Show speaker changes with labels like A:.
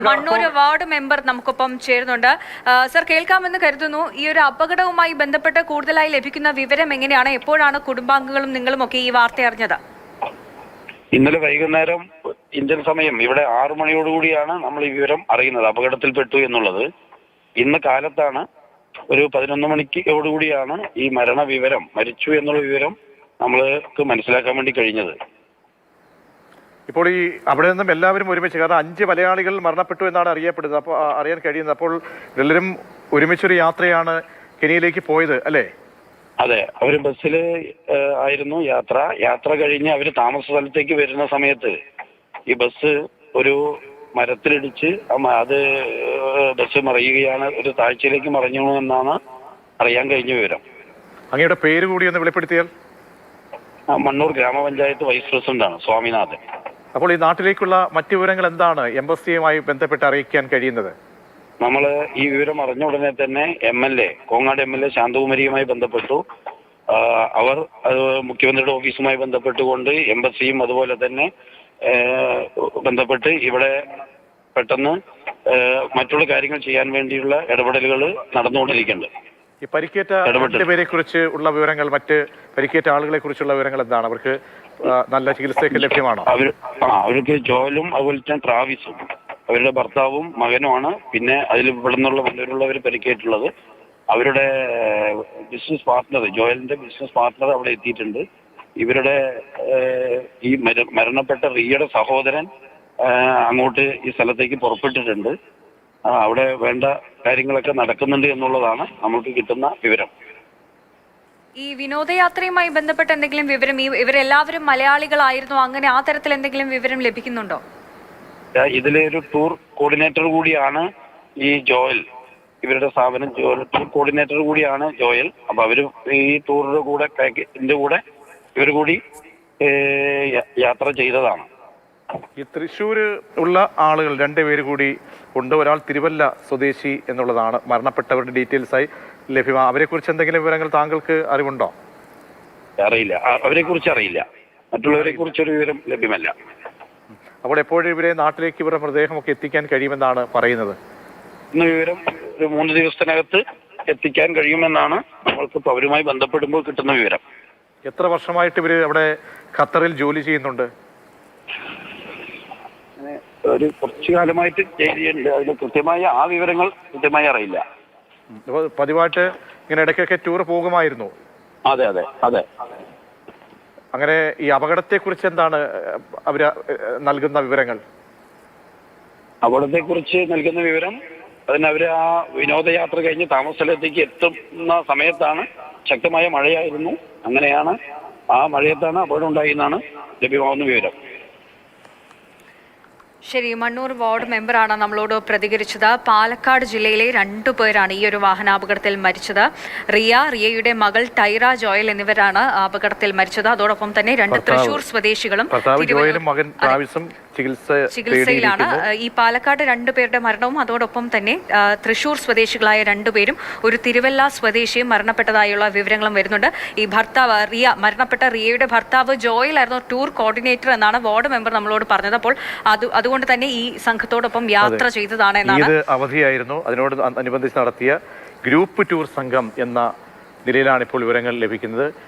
A: Mannur ward member നമുക്കൊപ്പം ചേരുന്നുണ്ട്. Sir, കേൾക്കാമെന്ന് കരുതുന്നു. ഈ ഒരു അപകടവുമായി ബന്ധപ്പെട്ട് കൂടുതലായി ലഭിക്കുന്ന വിവരം എങ്ങനെയാണ്? എപ്പോഴാണ് കുടുംബാംഗങ്ങളും നിങ്ങളും ഒക്കെ ഈ വാർത്ത അറിഞ്ഞത്?
B: ഇന്നലെ വൈകുന്നേരം ഇന്ത്യൻ സമയം ഇവിടെ 6 മണിയോടുകൂടിയാണ് നമ്മൾ ഈ വിവരം അറിയുന്നത്, അപകടത്തിൽപ്പെട്ടു എന്നുള്ളത്. ഇന്ന് കാലത്താണ് ഒരു 11 മണിക്കോടുകൂടിയാണ് ഈ വിവരം, മരിച്ചു എന്നുള്ള വിവരം നമ്മൾക്ക് മനസ്സിലാക്കാൻ വേണ്ടി കഴിഞ്ഞത്.
C: ഇപ്പോൾ ഈ അവിടെ നിന്നും എല്ലാവരും ഒരുമിച്ച്, കാരണം 5 മലയാളികൾ മരണപ്പെട്ടു എന്നാണ് അറിയപ്പെടുന്നത്, അപ്പോൾ അറിയാൻ കഴിയുന്നത്. അപ്പോൾ എല്ലാവരും ഒരുമിച്ചൊരു യാത്രയാണ് കെനിയയിലേക്ക് പോയത് അല്ലേ?
B: അതെ, അവര് ബസ്സിൽ ആയിരുന്നു യാത്ര കഴിഞ്ഞ് അവര് താമസ സ്ഥലത്തേക്ക് വരുന്ന സമയത്ത് ഈ ബസ് ഒരു മരത്തിലിടിച്ച് അത് ബസ് മറിയുകയാണ്, ഒരു താഴ്ചയിലേക്ക് മറിഞ്ഞു എന്നാണ് അറിയാൻ കഴിഞ്ഞ വിവരം.
C: അങ്ങയുടെ പേര് കൂടി ഒന്ന് വെളിപ്പെടുത്തിയാൽ?
B: മണ്ണൂർ ഗ്രാമപഞ്ചായത്ത് വൈസ് പ്രസിഡന്റാണ് സ്വാമിനാഥൻ.
C: അപ്പോൾ ഈ നാട്ടിലേക്കുള്ള മറ്റു വിവരങ്ങൾ എന്താണ് എംബസിയുമായി ബന്ധപ്പെട്ട് അറിയിക്കാൻ കഴിയുന്നത്?
B: നമ്മൾ ഈ വിവരം അറിഞ്ഞ ഉടനെ തന്നെ കോങ്ങാട് എം എൽ എ ശാന്തകുമാരിയുമായി ബന്ധപ്പെട്ടു. അവർ മുഖ്യമന്ത്രിയുടെ ഓഫീസുമായി ബന്ധപ്പെട്ടുകൊണ്ട് എംബസിയും അതുപോലെ തന്നെ ബന്ധപ്പെട്ട് ഇവിടെ പെട്ടെന്ന് മറ്റുള്ള കാര്യങ്ങൾ ചെയ്യാൻ വേണ്ടിയുള്ള ഇടപെടലുകൾ നടന്നുകൊണ്ടിരിക്കുന്നുണ്ട്.
C: ഈ പരിക്കേറ്റ 2 പേരെ കുറിച്ച് ഉള്ള വിവരങ്ങൾ, മറ്റ് പരിക്കേറ്റ ആളുകളെ കുറിച്ചുള്ള വിവരങ്ങൾ എന്താണ്? അവർക്ക് നല്ല ചികിത്സയൊക്കെ ലഭ്യമാണോ?
B: അവർക്ക് ജോയലും അതുപോലെ തന്നെ ട്രാവിസും അവരുടെ ഭർത്താവും മകനുമാണ്. പിന്നെ അതിൽ ഇവിടെ നിന്നുള്ള വല്ലവരുള്ളവർ പരിക്കേറ്റുള്ളത്. അവരുടെ ബിസിനസ് പാർട്ട്ണർ, ജോയലിന്റെ ബിസിനസ് പാർട്ട്ണർ അവിടെ എത്തിയിട്ടുണ്ട്. ഇവരുടെ ഈ മരണപ്പെട്ട റിയയുടെ സഹോദരൻ അങ്ങോട്ട് ഈ സ്ഥലത്തേക്ക് പുറപ്പെട്ടിട്ടുണ്ട്. അവിടെ വേണ്ട കാര്യങ്ങളൊക്കെ നടക്കുന്നുണ്ട് എന്നുള്ളതാണ് നമുക്ക് കിട്ടുന്ന വിവരം.
A: ഈ വിനോദയാത്രയുമായി ബന്ധപ്പെട്ട എന്തെങ്കിലും വിവരം, ഇവരെല്ലാവരും മലയാളികളായിരുന്നു, അങ്ങനെ ആ തരത്തിൽ എന്തെങ്കിലും വിവരം ലഭിക്കുന്നുണ്ടോ?
B: ഇതിലെ ഒരു ടൂർ കോർഡിനേറ്റർ കൂടിയാണ് ഈ ജോയൽ. ഇവരുടെ സ്ഥാപനം ടൂർ കോർഡിനേറ്റർ കൂടിയാണ് ജോയൽ. അപ്പൊ അവര് ഈ ടൂറിന്റെ കൂടെ പാക്കേജിന്റെ കൂടെ ഇവർ കൂടി യാത്ര ചെയ്തതാണ്.
C: ഈ തൃശ്ശൂര് ഉള്ള ആളുകൾ 2 പേര് കൂടി ഉണ്ട്. ഒരാൾ തിരുവല്ല സ്വദേശി എന്നുള്ളതാണ് മരണപ്പെട്ടവരുടെ ഡീറ്റെയിൽസ് ആയി ലഭ്യമാണ്. അവരെ കുറിച്ച് എന്തെങ്കിലും വിവരങ്ങൾ താങ്കൾക്ക് അറിവുണ്ടോ?
B: അറിയില്ല, അവരെ കുറിച്ച് അറിയില്ല. മറ്റുള്ളവരെ കുറിച്ചൊരു വിവരം ലഭ്യമല്ല.
C: അപ്പോൾ എപ്പോഴും ഇവരെ നാട്ടിലേക്ക് ഇവരുടെ മൃതദേഹമൊക്കെ എത്തിക്കാൻ കഴിയുമെന്നാണ് പറയുന്നത്.
B: ഇന്ന് വിവരം ഒരു 3 ദിവസത്തിനകത്ത് എത്തിക്കാൻ കഴിയുമെന്നാണ് നമ്മൾക്ക് അവരുമായി ബന്ധപ്പെടുമ്പോൾ കിട്ടുന്ന വിവരം.
C: എത്ര വർഷമായിട്ട് ഇവര് അവിടെ ഖത്തറിൽ ജോലി ചെയ്യുന്നുണ്ട്?
B: ഒരു കുറച്ചു കാലമായിട്ട് ചെയ്യുന്നുണ്ട്. അതിന് കൃത്യമായ ആ വിവരങ്ങൾ കൃത്യമായി അറിയില്ല.
C: പതിവായിട്ട് ഇങ്ങനെ ഇടയ്ക്കൊക്കെ ടൂർ പോകുമായിരുന്നു?
B: അതെ അതെ അതെ.
C: അങ്ങനെ ഈ അപകടത്തെ കുറിച്ച് എന്താണ് അവര് നൽകുന്ന വിവരങ്ങൾ?
B: അപകടത്തെ കുറിച്ച് നൽകുന്ന വിവരം, അവര് ആ വിനോദയാത്ര കഴിഞ്ഞ് താമസ സ്ഥലത്തേക്ക് എത്തുന്ന സമയത്താണ് ശക്തമായ മഴയായിരുന്നു. അങ്ങനെയാണ് ആ മഴയത്താണ് അപകടം ഉണ്ടായെന്നാണ് ലഭ്യമാവുന്ന വിവരം.
A: ശരി, മണ്ണൂർ വാർഡ് മെമ്പറാണ് നമ്മളോട് പ്രതികരിച്ചത്. പാലക്കാട് ജില്ലയിലെ 2 പേരാണ് ഈ ഒരു വാഹനാപകടത്തിൽ മരിച്ചത്. റിയയുടെ മകൾ ടൈറ ജോയൽ എന്നിവരാണ് അപകടത്തിൽ മരിച്ചത്. അതോടൊപ്പം തന്നെ 2 തൃശൂർ സ്വദേശികളും ചികിത്സയിലാണ്. ഈ പാലക്കാട് 2 പേരുടെ മരണവും അതോടൊപ്പം തന്നെ തൃശൂർ സ്വദേശികളായ 2 പേരും ഒരു തിരുവല്ല സ്വദേശിയും മരണപ്പെട്ടതായുള്ള വിവരങ്ങളും വരുന്നുണ്ട്. ഈ ഭർത്താവ് മരണപ്പെട്ട റിയയുടെ ഭർത്താവ് ജോയൽ ആയിരുന്നു ടൂർ കോർഡിനേറ്റർ എന്നാണ് വാർഡ് മെമ്പർ നമ്മളോട് പറഞ്ഞത്. അപ്പോൾ അതുകൊണ്ട് തന്നെ ഈ സംഘത്തോടൊപ്പം യാത്ര ചെയ്തതാണ് എന്നാണ്.
C: ഇത് അവധിയായിരുന്നു, അതിനോട് അനുബന്ധിച്ച് നടത്തിയ ഗ്രൂപ്പ് ടൂർ സംഘം എന്ന നിലയിലാണ് ഇപ്പോൾ വിവരങ്ങൾ ലഭിക്കുന്നത്.